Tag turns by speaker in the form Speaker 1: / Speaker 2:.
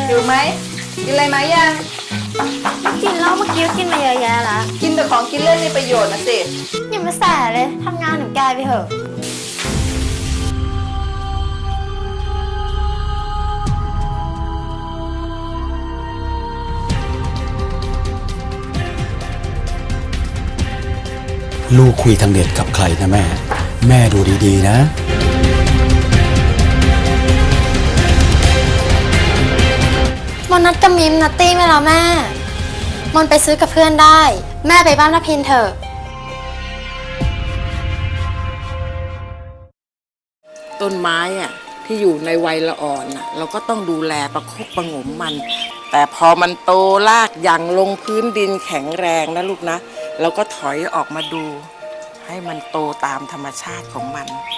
Speaker 1: อยู่ไหมกินอะไรไหมยัง
Speaker 2: กินแล้วเมื่อกี้กินมาเยอะแยะละ
Speaker 1: กินแต่ของกินเล่นมีประโยชน์นะสิ
Speaker 2: อย่ามาแสเลยทำงานหนูแกไปเถอะ
Speaker 3: ลูกคุยทางเน็ตกับใครนะแม่ แม่ดูดีๆนะ
Speaker 2: มนนัดกับมิมนัตตี้ไว้แล้วแม่มนไปซื้อกับเพื่อนได้แม่ไปบ้านนพินเถอะ
Speaker 4: ต้นไม้อะที่อยู่ในวัยละอ่อนอะเราก็ต้องดูแลประคบประหงมมันแต่พอมันโตรากยังลงพื้นดินแข็งแรงนะลูกนะเราก็ถอยออกมาดูให้มันโตตามธรรมชาติของมัน